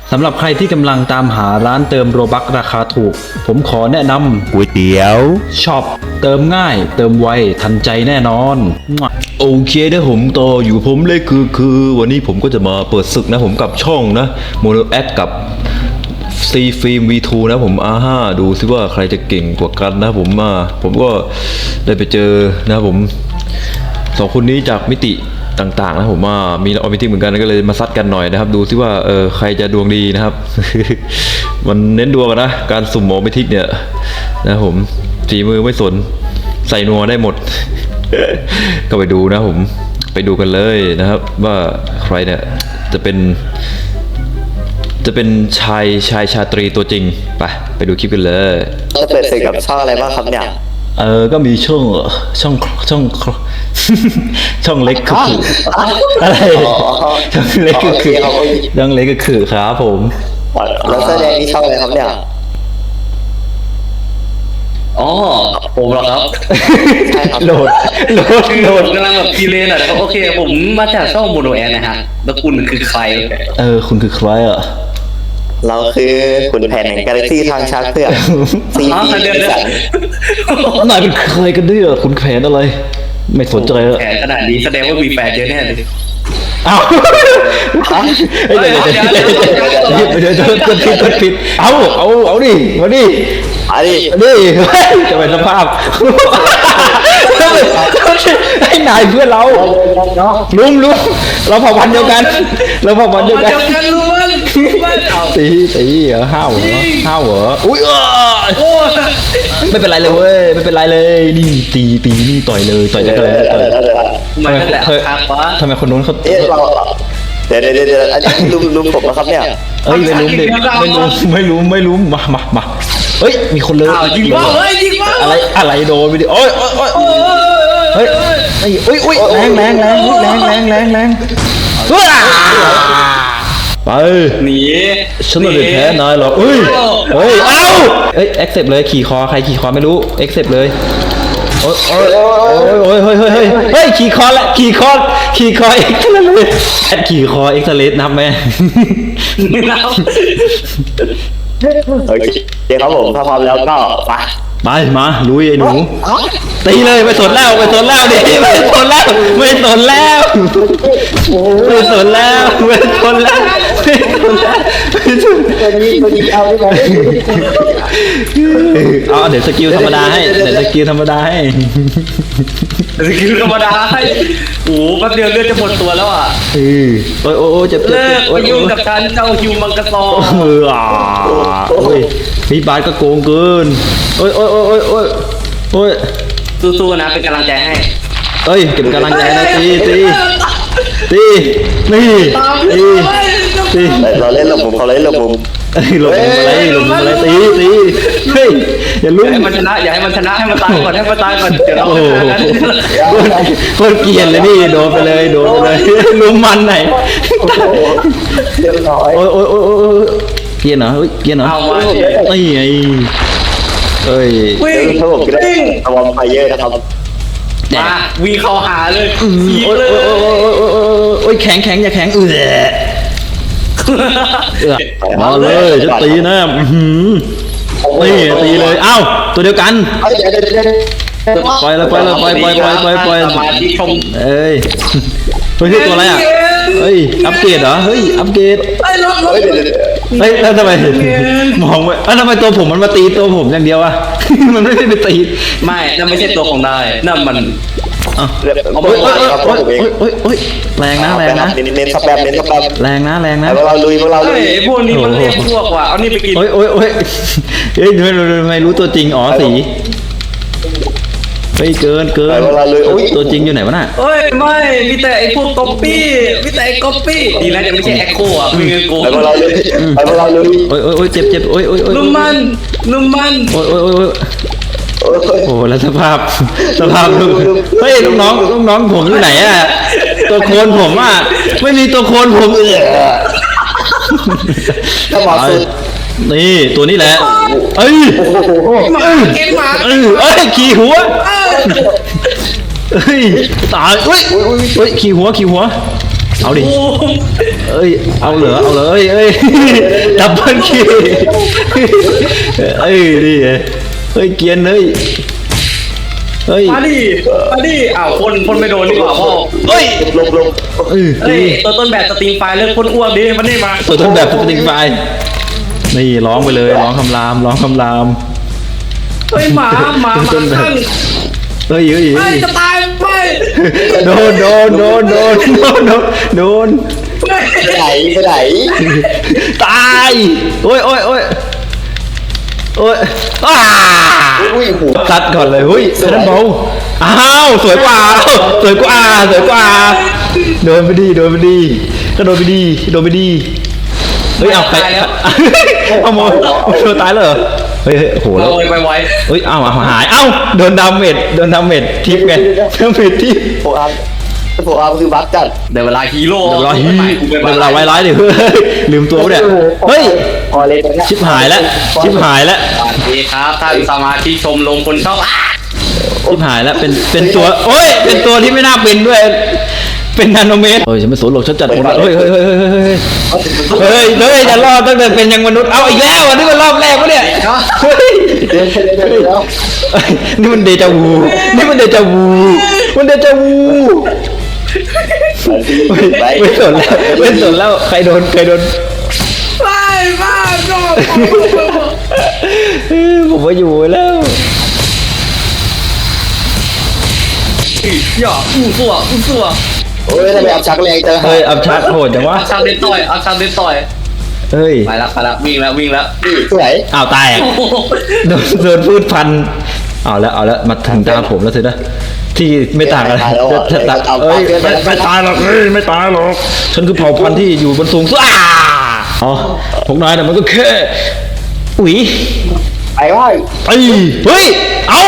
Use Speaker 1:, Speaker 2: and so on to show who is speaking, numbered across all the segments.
Speaker 1: สำหรับใครที่กำลังตามหาร้านเติมโรบัคราคาถูกผมขอแนะนำ
Speaker 2: ก๋วยเตี๋ยว
Speaker 1: ช็อปเติมง่ายเติมไวทันใจแน่นอนโอเคนะผมต่ออยู่ผมเลยคือวันนี้ผมก็จะมาเปิดศึกนะผมกับช่องนะโมโนแอคกับซีฟิล์ม V2 นะผมดูซิว่าใครจะเก่งกว่ากันนะผมก็ได้ไปเจอนะผมสองคนนี้จากมิติต่างๆนะผมมีออมิติเหมือนกันก็เลยมาซัดกันหน่อยนะครับดูซิว่าใครจะดวงดีนะครับ มันเน้นดวงนะการสุ่มออมิติเนี่ยนะผมฝีมือไม่สนใส่นัวได้หมด ก็ไปดูนะผมไปดูกันเลยนะครับว่าใครเนี่ยจะเป็นชายชาตรีตัวจริงไปดูคลิปกันเลย
Speaker 3: จะเปิดศึกกับช่องอะไรบ้างครับเนี่ย
Speaker 1: ก็มีช่องช่องเล็กคืออะไรช่องเล็กก็คือช่องเล็กก็คือครับผม
Speaker 3: แล้วแสดงนี่ช่องอะไรครับเนี่ย
Speaker 4: อ๋อผมเหรอครับ
Speaker 3: ใช่ครับ
Speaker 1: โหลด
Speaker 4: ผมกำลังแบบพีเลนอ่ะนะครับโอเคผมมาจากช่องโมโนแอนนะฮะแล้วคุณคือใคร
Speaker 1: คุณคือใครอ่ะ
Speaker 3: เราคือขุนแผนแห่งกาแล็กซี่ทางช้างเผือกซีพี
Speaker 4: เดือน
Speaker 1: นายเป็นใครกันเนี่ยคุณแขวนอะไรไม่สนใจแล้ว
Speaker 4: แขนขนาดนี้แสดงว่ามีแฟนเยอะแน่เลย
Speaker 1: เดี๋ยวผิดเอาดิมาดิจะเป็นสภาพให้นายเพื่อนเราลุมเราเผ่าพันธุ์เดียวกันตีเหรอห้าวเหรออุ้ยไม่เป็นไรเลยเว้ยไม่เป็นไรเลยนี่ตีนี่ต่อยจะเลยทำไมคนนู้นเขา
Speaker 3: เดี๋ยวอันนี้ลุมผมนะครับเนี่ย
Speaker 1: ไม่รู้มาเฮ้ยมีคนเลย
Speaker 4: ยิงว่า
Speaker 1: อะไรโดนไปดิโอ้ยเฮ้ยแรงไป
Speaker 4: หนี
Speaker 1: ฉันไม่ได้แพ้นายหรอกเฮ้ยเอ็กเซปเลยขี่คอใครขี่คอไม่รู้เอ็กเซปเลยโอ้ยขี่คอเอ็กซ์เลยขี่คอเอ็กซ์เลสนับไหม
Speaker 3: โอเคครับผมถ้าพร้อมแล้วก็
Speaker 1: ไปมาลุยไอ้หนูตีเลยไม่สนแล้วดิไม่สนแล้วเดี๋ยวสกิลธรรมดาให้
Speaker 4: โอ้แป๊บเดียวเลือดจะหมดตัวแล้วอ่ะ
Speaker 1: โอ้เจ็บ
Speaker 4: เลิกยุ่งกับการเจ้าฮิวมังกรซอ
Speaker 1: พี่บาสก็โกงเกินโอ้ย
Speaker 4: สู้ๆนะเป็นกำลังใจให้
Speaker 1: เก็บกำลังใจนะตี
Speaker 3: เราเล่นหลบมุมเขาเล่นหลบมุม
Speaker 1: หลบมุมอะไรตีอย่าลุ้ม
Speaker 4: ให้มันชนะอย่าให้มันชนะให้มันตายก่อนเดี๋ยวเรา
Speaker 1: คนเกลียดเลยนี่โดนไปเลยลุ้มมันไหนโอ้ยเกลียดเหรอ
Speaker 4: เอามา
Speaker 1: ไอ้
Speaker 3: ถ้าผมคิดว่าระวังไฟเยอะนะครับ
Speaker 4: มาวีเข้าหาเลย
Speaker 1: โอ้ยแข็งอย่าแข็งมาเลยจะตีนะตีเลยเอ้าตัวเดียวกันปล่อย
Speaker 4: สมาธิชม
Speaker 1: เฮ้ยตัวอะไรอ่ะอัปเกรดเหรออัปเกรดแล้วทำไมมองไว้ทำไมตัวผมมันมาตีตัวผมอย่างเดียวอะมันไม่ได้ไปตี
Speaker 4: ไม่นั่นไม่ใช่ตัวของนายนั่นมัน
Speaker 1: แรงนะ
Speaker 3: เน้นสแปม
Speaker 1: แรงนะ
Speaker 3: พวกเราลุย
Speaker 4: พวกนี้มันเรียกพวกว่ะเอานี่ไปกิน
Speaker 1: ไม่รู้ตัวจริงสีเกินตัวจริงอยู่ไหนวะน่ะ
Speaker 4: ไม่มีแต่ไอ้พวกก๊อปปี้ดีนะจะไม่ใช่แอคโคอ่ะมีเงินโกง
Speaker 3: ไปพวกเราเลย
Speaker 1: เจ็บ
Speaker 4: นุ่มมัน
Speaker 1: โอ้แล้วสภาพลูกน้องผมอยู่ไหนอ่ะตัวโคนผมอ่ะไม่มีตัวโคนผม
Speaker 3: ถ้าหมอสุด
Speaker 1: นี่ตัวนี้แหละขี่หัวตายขี่หัวเอาดิเอ้ยเอาเหรอเอ้ยดับเบิลคิวเอ้ยนี่ไงเฮ้ยเกียนเฮ้ย
Speaker 4: มาดิอ้าวคนไม่โดนดีกว่าพ่อ
Speaker 1: เฮ้ย
Speaker 3: ลบ
Speaker 1: เอ้ย
Speaker 4: เฮ้ยตัวต้นแบบสตรีมไฟล์เลิกคนอ้วกดิมันนี่มา
Speaker 1: ตัวต้นแบบสติงไฟนี่ร้องไปเลยร้องคำราม
Speaker 4: เฮ้ยหมาข้าง
Speaker 1: เฮ้ย
Speaker 4: ไม่จะตายไม่
Speaker 1: โดน
Speaker 3: ไปไหน
Speaker 1: ตายโอ้ยอ้า
Speaker 3: อุ้ยหู
Speaker 1: ตัดก่อนเลยเฮ้ยเซนเบาอ้าวสวยกว่าโดนไปดีก็โดนไปดีเฮ้ยเอาใครเอาโมโดนตายเลยเหรอเฮ้ยโหแล้ว
Speaker 4: ไปไว
Speaker 1: เฮ้ยเอาหายโดนดาเมจทิปไงดาเมจทิป
Speaker 3: โฟอาร์คือบัฟจัด
Speaker 4: เดี๋ยวเวลาฮีโร่
Speaker 1: เดี๋ยวเวลาไวร้ายดิเฮ้ยลืมตัวเนี่ยเฮ้ย
Speaker 3: พอเลยนะ
Speaker 1: ชิบหายแล้ว
Speaker 4: สวัสดีครับท่านสมาชิกชมรมคนชอบ
Speaker 1: ชิบหายแล้วเป็นตัวโอ้ยเป็นตัวที่ไม่น่าเป็นด้วยเป็นนาโนเมตรเฮ้ยฉันไม่สนหรอกฉันจัดคนเฮ้ยจะรอดตั้งแต่เป็นยังมนุษย์เอาอีกแล้วอันนี้มันรอบแรกปะเนี่ยเฮ้ย
Speaker 3: เดี๋ยว
Speaker 1: นี่มันเดจาวูมันเดจาวูไม่สนแล้วใครโดนผมว่าอยู่แล้ว
Speaker 4: อย่าอู้ซัว
Speaker 3: โอ้ยทำไมอับชักแรงจัง
Speaker 1: เฮ้ยอับชักโหดจังวะ
Speaker 4: เอาชามเด็ดต่อย
Speaker 1: เฮ้ย
Speaker 4: ไปละวิ่งแล้ว
Speaker 3: สวย
Speaker 1: อ้าวตายโดนพืชพันธุ์เอาแล้วมาถึงตาผมแล้วสินะที่ไม่ต่างกันเอ้ยไม่ตายหรอกไม่ตายหรอกฉันคือเผ่าพันธุ์ที่อยู่บนสูงสุดอ๋อพวกนายน่ะมันก็แค่อุ๋ย
Speaker 3: ไปว่า
Speaker 1: เฮ้ยเอา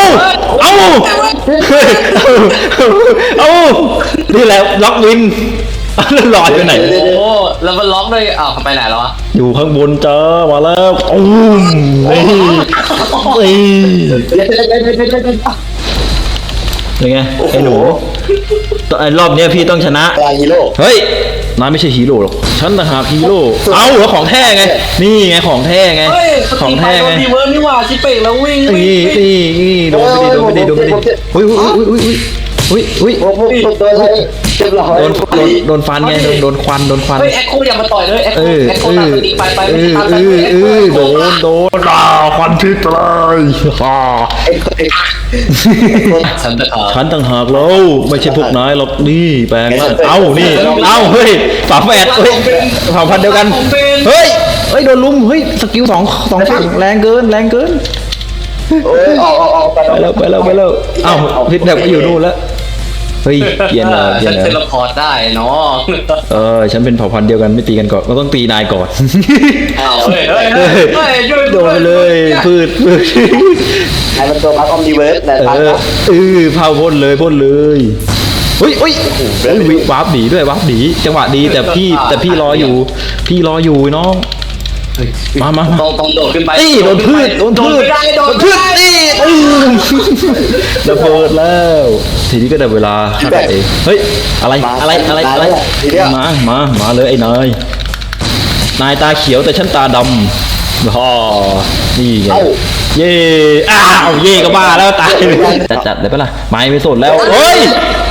Speaker 1: นี่แหละล็อกวินแล้วลอยไปไหน
Speaker 4: โอ้แล้วมันล็อกด้วยอ้าวไปไหนแล้ววะ
Speaker 1: อยู่ข้างบนจ้ามาแล้วยังไงไอ้หนูรอบนี้พี่ต้องชนะ
Speaker 3: ฮีโร่
Speaker 1: เฮ้ยนายไม่ใช่ฮีโร่หรอกฉันต่างหากฮีโร่เอาเหรอของแท้ไงนี่ไงของแท้ไง
Speaker 4: เฮ้ย
Speaker 1: ของแท้ไง
Speaker 4: ดีเวิร์นี่หว่าชิเป่งแล้ววิ่ง
Speaker 1: นี่โดนไปดีอุ้ย
Speaker 3: พวกโดนอะไรเรียบร้อย
Speaker 1: โดนฟันไงโดนควัน
Speaker 4: เฮ้ยแอคโคอย่ามาต่อยเลยแอคโคตามสติไปไม่ตามไป
Speaker 1: โดนควันพิษเลย
Speaker 4: ฉันจะขา
Speaker 1: ฉันต่างหากเราไม่ใช่พวกนายหรอกนี่แปลงร่างเฮ้ยฝาแฝดเฮ้ยเผ่าพันธุ์เดียวกันเฮ้ยโดนลุมเฮ้ยสกิลสองฝั่งแรงเกิน
Speaker 3: โอ้ยออก
Speaker 1: ไปแล้วเอ้าพิษแบบก็อยู่นู่นแล้วเฮ้ยเย็นเลย
Speaker 4: ฉันเทเลพอร์ตได้เนาะ
Speaker 1: ฉันเป็นเผ่าพันธุ์เดียวกันไม่ตีกันก่อนเราต้องตีนายก่อน
Speaker 4: เฮ้ย
Speaker 1: โดนไปเลยพืช
Speaker 3: ไอ้มันตัวบัฟออมดีเวิร์สนะบัฟ
Speaker 1: เผาพ่นเลยเฮ้ยวาร์ปหนีด้วยวาร์ปหนีจังหวะดีแต่พี่รออยู่น้องมา
Speaker 4: ต้องโดดขึ้นไป
Speaker 1: นี่โดนพืชนี่ระเบิดแล้วทีนี้ก็ได้เวลาเฮ้ยอะไรมาเลยไอ้นายตาเขียวแต่ฉันตาดำนี่ไงเย่เย่ก็บ้าแล้วตายจัดเลยปะล่ะไม่สนแล้วเฮ้ย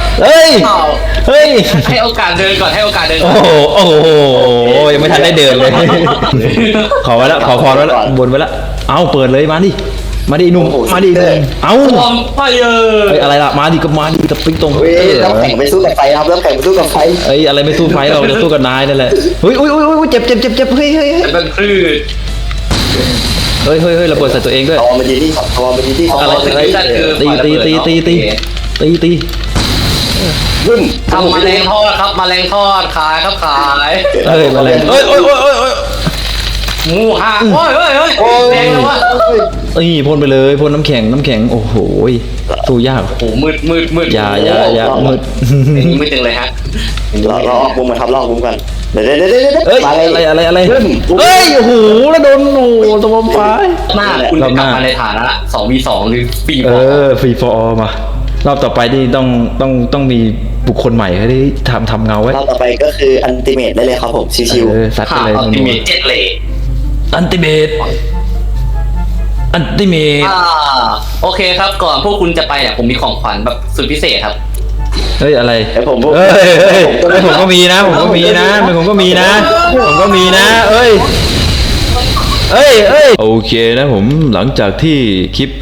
Speaker 4: ให้โอกาสเดินก่อน
Speaker 1: โอ้โหยังไม่ทันได้เดินเลยขอไว้แล้วขอพรไว้แล้วบนไว้แล้วเอาเปิดเลยมาดิหนุ่มเอา
Speaker 4: ไป
Speaker 1: อะไรล่ะมาดิกับปิ๊งตรง
Speaker 3: น้ำแข็งไปสู้กับไฟครับน้ำแข็งไปสู้กับไฟ
Speaker 1: อะไรไม่สู้ไฟเราจะสู้กับนายนั่นแหละเฮ้ยเจ็บเฮ้ย
Speaker 4: เป็นพืช
Speaker 1: เฮ้ยระเบิดใส่ตัวเองด้วย
Speaker 3: มันดีที่
Speaker 1: อะไรตี
Speaker 4: ทำมาแรงทอดครับมาแรงทอดขายครับขาย
Speaker 1: มาแรง
Speaker 4: หมูห่าแรงแล้ววะ
Speaker 1: พ่นไปเลยพ่นน้ำแข็งโอ้โหสู้ยาก
Speaker 4: โอ้มืด
Speaker 1: อย่ามืด
Speaker 4: ไม่ตึงเลยฮะ
Speaker 3: เราออกมุมมาทับลอกมุมกันเดี๋ยว
Speaker 1: อะไรเฮ้ยโอ้โหแล้วโดนตัวบอมไฟ
Speaker 4: หน้าคุณกลับมาในฐานะ2v2หรือฟรี
Speaker 1: ฟรีฟอร์มารอบต่อไปนี่ต้องมีบุคคลใหม่ให้ได้ทำเงาไว้
Speaker 3: รอบต่อไปก็คืออันติเมตได้เลยครับผมชิว
Speaker 1: ซัดไป
Speaker 4: หา
Speaker 1: เลย
Speaker 4: อัลติเมทเจ็ดเลย
Speaker 1: อันติเมต
Speaker 4: โอเคครับก่อนพวกคุณจะไปเนี่ยผมมีของขวัญแบบสุดพิเศษครับ
Speaker 1: เฮ้ยอะไร
Speaker 3: ๆแต่ผม
Speaker 1: เฮ้ยผมก็มีนะผมก็มีนะผมก็มีนะเอ้ยโอเคนะผมหลังจากที่คลิป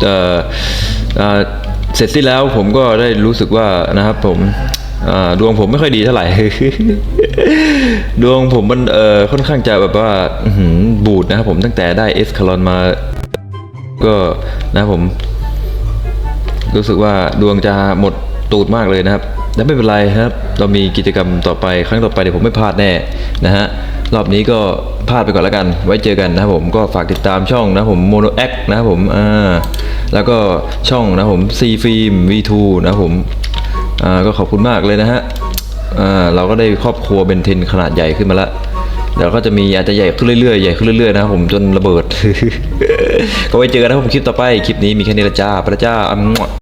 Speaker 1: เสร็จสิ้นแล้วผมก็ได้รู้สึกว่านะครับผมดวงผมไม่ค่อยดีเท่าไหร่ ดวงผมมันค่อนข้างจะแบบว่าบูดนะครับผมตั้งแต่ได้เอสคาลอนมาก็นะครับผมรู้สึกว่าดวงจะหมดตูดมากเลยนะครับแต่ไม่เป็นไรครับเรามีกิจกรรมต่อไปครั้งต่อไปเดี๋ยวผมไม่พลาดแน่นะฮะรอบนี้ก็พลาดไปก่อนแล้วกันไว้เจอกันนะครับผมก็ฝากติดตามช่องนะผม Mono X นะครับผมแล้วก็ช่องนะผม C Film V2 นะครับผมก็ขอบคุณมากเลยนะฮะเราก็ได้ครอบครัวเบนเทนขนาดใหญ่ขึ้นมาแล้วเดี๋ยวก็จะมีอาจจะใหญ่ขึ้นเรื่อยๆนะครับผมจนระเบิด ก็ไว้เจอกันนะครับผมคลิปต่อไปคลิปนี้มีแค่นี้ละจ้าพระเจ้า